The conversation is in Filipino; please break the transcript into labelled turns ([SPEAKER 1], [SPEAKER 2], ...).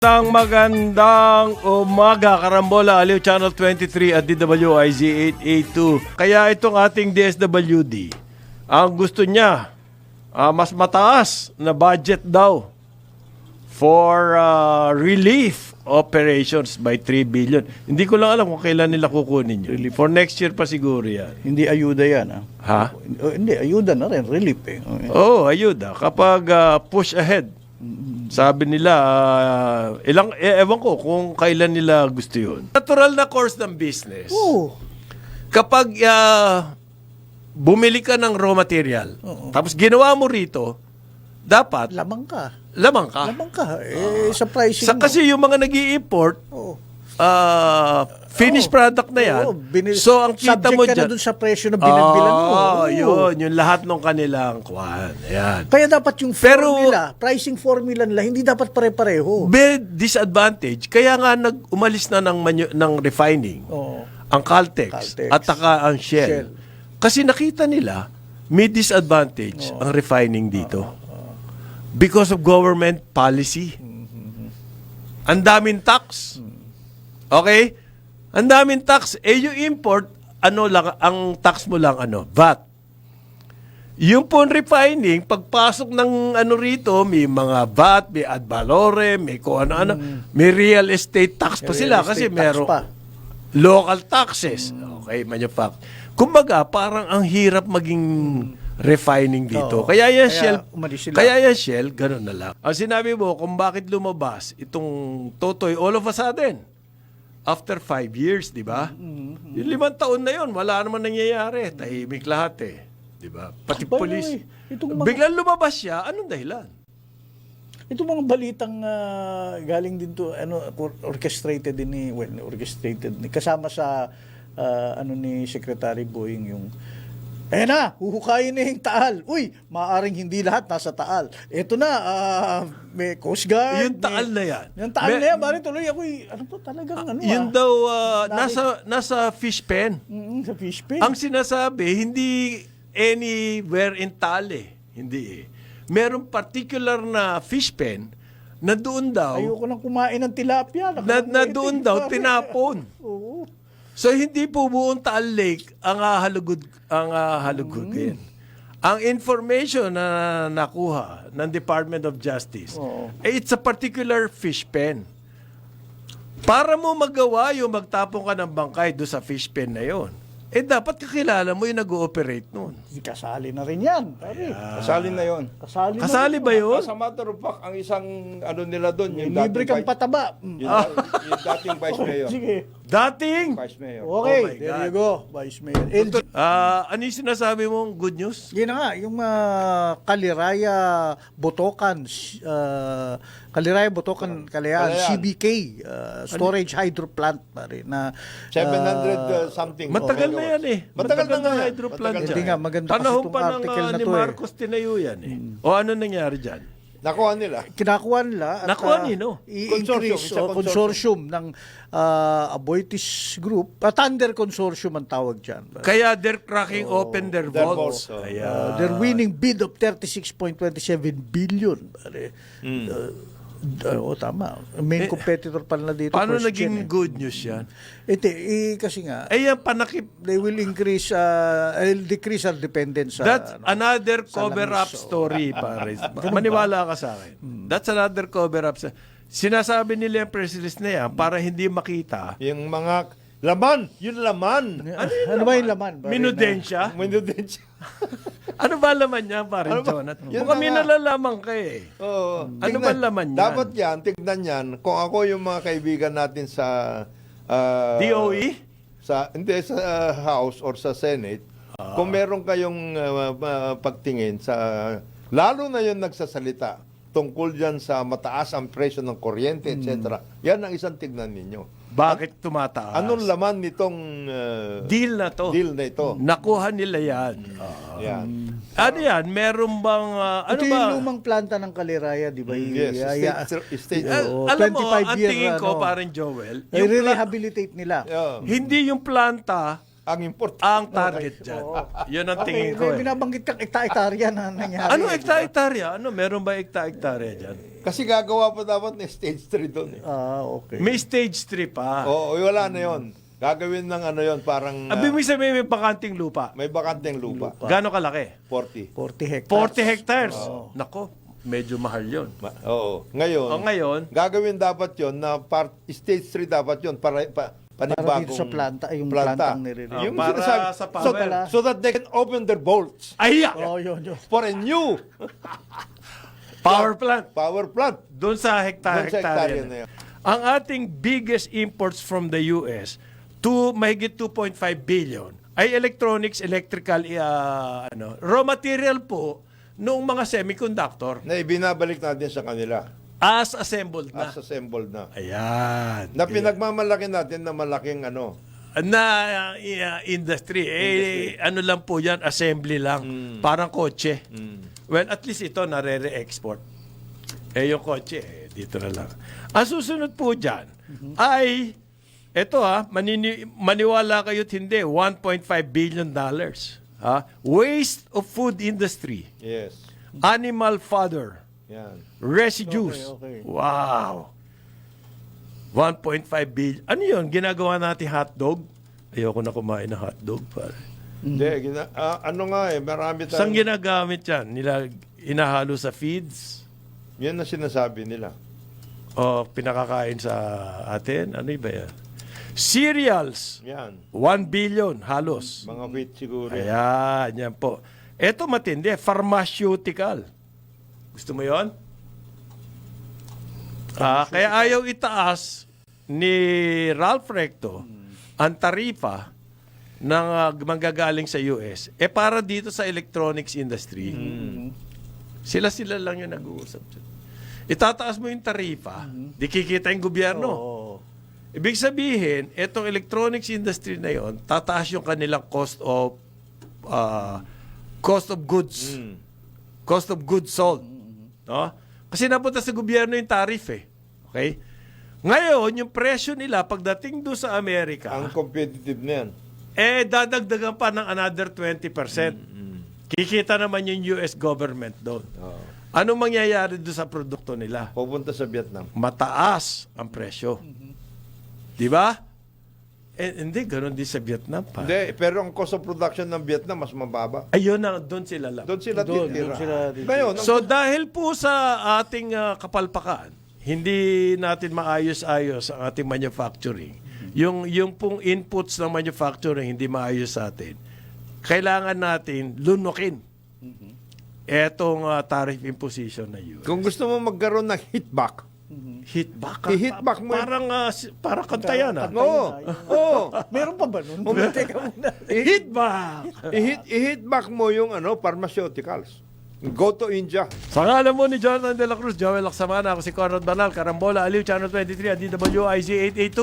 [SPEAKER 1] Magandang umaga, Karambola, Aliw Channel 23 at DWIZ 882. Kaya itong ating DSWD, ang gusto niya, mas mataas na budget daw for relief operations by 3 billion. Hindi ko lang alam kung kailan nila kukunin yun. For next year pa siguro yan.
[SPEAKER 2] Hindi ayuda yan.
[SPEAKER 1] Ha?
[SPEAKER 2] Hindi, ayuda na rin. Relief eh.
[SPEAKER 1] Oo, ayuda. Kapag push ahead. Sabi nila, ewan ko kung kailan nila gusto yun. Natural na course ng business.
[SPEAKER 2] Oo.
[SPEAKER 1] Kapag bumili ka ng raw material, tapos ginawa mo rito, dapat
[SPEAKER 2] Lamang ka.
[SPEAKER 1] lamang ka.
[SPEAKER 2] Lamang ka. Sa pricing mo.
[SPEAKER 1] Kasi yung mga nag-i-import,
[SPEAKER 2] Oo.
[SPEAKER 1] finished product na yan.
[SPEAKER 2] Oo,
[SPEAKER 1] So, ang kita
[SPEAKER 2] subject
[SPEAKER 1] mo
[SPEAKER 2] ka
[SPEAKER 1] dyan,
[SPEAKER 2] na dun sa presyo na binagbilan mo. Oo.
[SPEAKER 1] yun. Yung lahat ng kanilang kwan. Ayan.
[SPEAKER 2] Kaya dapat yung
[SPEAKER 1] Pero-
[SPEAKER 2] formula, pricing formula nila, hindi dapat pare-pareho.
[SPEAKER 1] May disadvantage. Kaya nga umalis na ng refining.
[SPEAKER 2] Oo.
[SPEAKER 1] Ang Caltex,
[SPEAKER 2] Caltex.
[SPEAKER 1] at saka ang Shell.
[SPEAKER 2] Shell.
[SPEAKER 1] Kasi nakita nila, may disadvantage ang refining dito. Because of government policy. Ang daming tax. Okay? Ang daming tax. Yung import, ang tax mo lang, VAT. Yung po refining, pagpasok ng rito, may mga VAT, may ad valorem, may kung ano-ano, may real estate tax pa
[SPEAKER 2] Real
[SPEAKER 1] sila
[SPEAKER 2] estate
[SPEAKER 1] kasi
[SPEAKER 2] tax
[SPEAKER 1] meron
[SPEAKER 2] pa.
[SPEAKER 1] local taxes. Okay, kumbaga, parang ang hirap maging refining dito.
[SPEAKER 2] Oo.
[SPEAKER 1] Kaya yan
[SPEAKER 2] Kaya
[SPEAKER 1] Shell,
[SPEAKER 2] umalis sila.
[SPEAKER 1] kaya yan Shell, ganun na lang. Ang sinabi mo, kung bakit lumabas itong Totoy all of a sudden, after 5 years, di ba? Yung 5 taon na yun, wala naman nangyayari. Tahimik lahat eh. Di ba? Pati
[SPEAKER 2] By the
[SPEAKER 1] polis.
[SPEAKER 2] way, itong mga-
[SPEAKER 1] Biglang lumabas siya, anong dahilan?
[SPEAKER 2] Ito mga balitang galing din to, orchestrated din kasama sa ni Secretary Boying yung ayan na, huhukayin na yung Taal. Uy, maaaring hindi lahat nasa Taal. Ito na, may Coast Guard.
[SPEAKER 1] Yung Taal na yan.
[SPEAKER 2] Yung Taal na yan, bari tuloy ako, ano to, talagang
[SPEAKER 1] Yun daw, nasa fish pen.
[SPEAKER 2] Sa fish pen.
[SPEAKER 1] Ang sinasabi, hindi anywhere in Tale. Hindi eh. Merong particular na fish pen na doon daw,
[SPEAKER 2] Ayoko nang kumain ng tilapia.
[SPEAKER 1] na doon daw tinapon.
[SPEAKER 2] Oo.
[SPEAKER 1] So hindi po buong Taal Lake ang halugugin. Ang information na nakuha ng Department of Justice, it's a particular fish pen. Para mo magawa yung magtapon ka ng bangkay doon sa fish pen na yon, dapat kakilala mo yung nag-ooperate noon.
[SPEAKER 2] Kasali na rin yan. Pare.
[SPEAKER 3] Kasali na yon.
[SPEAKER 1] Kasali ba yun?
[SPEAKER 3] As a matter of fact, ang isang nila doon, yung
[SPEAKER 2] Libre kang pataba.
[SPEAKER 3] yung dating Vice Mayor.
[SPEAKER 2] Sige.
[SPEAKER 1] Dating?
[SPEAKER 3] Vice Mayor.
[SPEAKER 2] Okay,
[SPEAKER 1] Oh my
[SPEAKER 2] there
[SPEAKER 1] God.
[SPEAKER 2] you go, Vice Mayor.
[SPEAKER 1] Ano yung sinasabi mong good news?
[SPEAKER 2] Yun na nga, yung Kaliraya Botocan, Kalayaan, CBK, storage hydro plant pare na
[SPEAKER 3] 700 something.
[SPEAKER 1] Matagal na yan eh.
[SPEAKER 3] Matagal na nga yan.
[SPEAKER 1] hydro plant
[SPEAKER 3] Matagal
[SPEAKER 1] dyan.
[SPEAKER 2] Hindi nga, maganda kasi
[SPEAKER 1] Panahon
[SPEAKER 2] itong
[SPEAKER 1] pa ng
[SPEAKER 2] article na
[SPEAKER 1] ni
[SPEAKER 2] to
[SPEAKER 1] Marcos tinayo yan eh. O ano nangyari dyan?
[SPEAKER 3] Nakuha nila.
[SPEAKER 2] kinakuha nila at
[SPEAKER 1] Nakuha nino?
[SPEAKER 2] i-increase
[SPEAKER 3] Consortium, isa
[SPEAKER 2] consortium ng Aboitiz Group, Thunder Consortium ang tawag dyan.
[SPEAKER 1] Kaya they're cracking open their
[SPEAKER 3] their
[SPEAKER 1] vaults.
[SPEAKER 3] vaults,
[SPEAKER 1] Kaya,
[SPEAKER 2] Their winning bid of 36.27 billion. Pare. Tama. Main competitor pa na dito.
[SPEAKER 1] paano
[SPEAKER 2] first
[SPEAKER 1] naging
[SPEAKER 2] gen,
[SPEAKER 1] good news yan?
[SPEAKER 2] kasi nga,
[SPEAKER 1] Yan panakip.
[SPEAKER 2] they will increase, decrease our dependence sa...
[SPEAKER 1] That's another
[SPEAKER 2] sa
[SPEAKER 1] cover-up
[SPEAKER 2] langis,
[SPEAKER 1] story, pare. Maniwala ka sa akin. That's another cover-up. Sinasabi nila yung press release na yan para hindi makita.
[SPEAKER 3] Yung mga laman. Yung laman.
[SPEAKER 2] Ano ba yung laman? Pare,
[SPEAKER 1] Minudensya?
[SPEAKER 3] Minudensya.
[SPEAKER 1] Ano ba laman niya, pare
[SPEAKER 3] Ano ba?
[SPEAKER 1] Jonathan?
[SPEAKER 3] Yun
[SPEAKER 1] Baka
[SPEAKER 3] na
[SPEAKER 1] may
[SPEAKER 3] nga.
[SPEAKER 1] nalalaman ka eh.
[SPEAKER 3] Oo.
[SPEAKER 1] Ano ba laman yan?
[SPEAKER 3] Dapat yan, tignan yan. Kung ako yung mga kaibigan natin sa...
[SPEAKER 1] DOE?
[SPEAKER 3] Hindi, sa House or sa Senate, kung meron kayong pagtingin sa... Lalo na yung nagsasalita tungkol dyan sa mataas ang presyo ng kuryente, etc. Yan ang isang tignan ninyo.
[SPEAKER 1] Bakit tumataas?
[SPEAKER 3] Anong laman nitong
[SPEAKER 1] deal na to?
[SPEAKER 3] deal na ito?
[SPEAKER 1] Nakuha nila yan.
[SPEAKER 3] Yan.
[SPEAKER 1] Ano yan? Meron bang... ano
[SPEAKER 2] Ito
[SPEAKER 1] ba?
[SPEAKER 2] yung lumang planta ng Kaliraya, di ba?
[SPEAKER 3] Yes, state.
[SPEAKER 2] Oo,
[SPEAKER 1] Alam mo,
[SPEAKER 2] 25
[SPEAKER 1] ang
[SPEAKER 2] year,
[SPEAKER 1] tingin ko, parang Joel, yung
[SPEAKER 2] i-rehabilitate nila.
[SPEAKER 3] Yeah.
[SPEAKER 1] hindi yung planta
[SPEAKER 3] Ang importante.
[SPEAKER 1] ang target dyan. Yun ang tingin ko
[SPEAKER 2] May
[SPEAKER 1] eh.
[SPEAKER 2] binabanggit kang ekta-ektarya na nangyari.
[SPEAKER 1] Ano hekta-hektarya? Ano? Meron ba hekta-hektarya dyan?
[SPEAKER 3] Kasi gagawa pa dapat ng stage 3 doon eh.
[SPEAKER 2] Okay.
[SPEAKER 1] May stage 3 pa.
[SPEAKER 3] Oo, wala na yon. Gagawin ng ano yon parang
[SPEAKER 1] Abi mo sabihin may bakanting lupa.
[SPEAKER 3] may bakanteng lupa.
[SPEAKER 1] Gaano kalaki?
[SPEAKER 3] 40.
[SPEAKER 2] 40 hectares.
[SPEAKER 1] 40 hectares. Nako, medyo mahal yon.
[SPEAKER 3] Oo. Ngayon,
[SPEAKER 1] Ngayon,
[SPEAKER 3] gagawin dapat yon na stage 3 dapat yon para panibagong
[SPEAKER 2] Para dito sa planta, yung plantang nire-release.
[SPEAKER 3] Yung
[SPEAKER 1] para
[SPEAKER 3] sinasabi-
[SPEAKER 1] sa power.
[SPEAKER 3] so that they can open their bolts
[SPEAKER 1] ay,
[SPEAKER 2] Yun.
[SPEAKER 3] for a new
[SPEAKER 1] power plant.
[SPEAKER 3] power plant.
[SPEAKER 1] Doon sa
[SPEAKER 3] Doon sa
[SPEAKER 1] hektarya
[SPEAKER 3] hektarya
[SPEAKER 1] na
[SPEAKER 3] na
[SPEAKER 1] yan.
[SPEAKER 3] yan.
[SPEAKER 1] Ang ating biggest imports from the US, mahigit 2.5 billion, ay electronics, electrical, raw material po noong mga semiconductor
[SPEAKER 3] Na ibinabalik natin sa kanila
[SPEAKER 1] as assembled na.
[SPEAKER 3] as assembled na.
[SPEAKER 1] Ayan.
[SPEAKER 3] Na pinagmamalaki natin na malaking ano.
[SPEAKER 1] Industry. Ano lang po yan, assembly lang. Parang kotse. Well, at least ito nare-re-export. Yung kotse, dito na lang. Ang susunod po dyan ay, eto maniwala kayo't hindi, $1.5 billion. Waste of food industry.
[SPEAKER 3] Yes.
[SPEAKER 1] Animal fodder.
[SPEAKER 3] Yan.
[SPEAKER 1] Residues.
[SPEAKER 2] Okay.
[SPEAKER 1] Wow. 1.5 billion. Ano yun? Ginagawa natin hotdog? Ayoko na kumain ng hotdog. Pare.
[SPEAKER 3] Hindi, ano nga marami
[SPEAKER 1] Saan
[SPEAKER 3] tayong,
[SPEAKER 1] ginagamit yan? Inahalo sa feeds?
[SPEAKER 3] yan na sinasabi nila.
[SPEAKER 1] O pinakakain sa atin? Ano ba yan? Cereals.
[SPEAKER 3] Yan.
[SPEAKER 1] 1 billion halos.
[SPEAKER 3] Mga wheat siguro. yan.
[SPEAKER 1] Ayan, yan po. Ito matindi. Pharmaceutical. Gusto mo yon? Kaya ayaw itaas ni Ralph Recto ang tarifa ng manggagaling sa US para dito sa electronics industry. Sila lang yung nag-uusap dyan. Itataas mo yung tarifa, di kikita yung gobyerno.
[SPEAKER 2] Oo.
[SPEAKER 1] Ibig sabihin, etong electronics industry na yon, tataas yung kanilang cost of goods. Cost of goods sold. No? Kasi napunta sa gobyerno yung tariff eh. Okay? Ngayon, yung presyo nila pagdating doon sa Amerika,
[SPEAKER 3] Ang competitive na yan.
[SPEAKER 1] dadagdagan pa ng another 20%. Kikita naman yung US government doon.
[SPEAKER 3] Oo.
[SPEAKER 1] Anong mangyayari doon sa produkto nila?
[SPEAKER 3] Pupunta sa Vietnam.
[SPEAKER 1] Mataas ang presyo. Di ba? Hindi, ganun din sa Vietnam pa.
[SPEAKER 3] Hindi, pero ang cost of production ng Vietnam mas mababa.
[SPEAKER 1] Ayun na, doon sila lang.
[SPEAKER 3] Doon sila titira.
[SPEAKER 2] doon sila titira.
[SPEAKER 3] Ngayon,
[SPEAKER 1] So dahil po sa ating kapalpakan, hindi natin maayos-ayos ang ating manufacturing. Yung pong inputs ng manufacturing hindi maayos sa atin. Kailangan natin lunukin etong tariff imposition na yun.
[SPEAKER 3] kung gusto mo magkaroon ng hitback,
[SPEAKER 1] Hit back.
[SPEAKER 3] I-hitback mo yun.
[SPEAKER 1] Parang kanta yan.
[SPEAKER 3] Oo.
[SPEAKER 2] Meron pa ba nun? Teka muna.
[SPEAKER 1] Hit back.
[SPEAKER 3] I-hitback mo yung pharmaceuticals. Go to India.
[SPEAKER 1] Sa ngalan mo ni Jonathan De La Cruz, Joel Laksamana, ako si Conrad Banal, Karambola, Aliw, Channel 23, at DWIZ 882.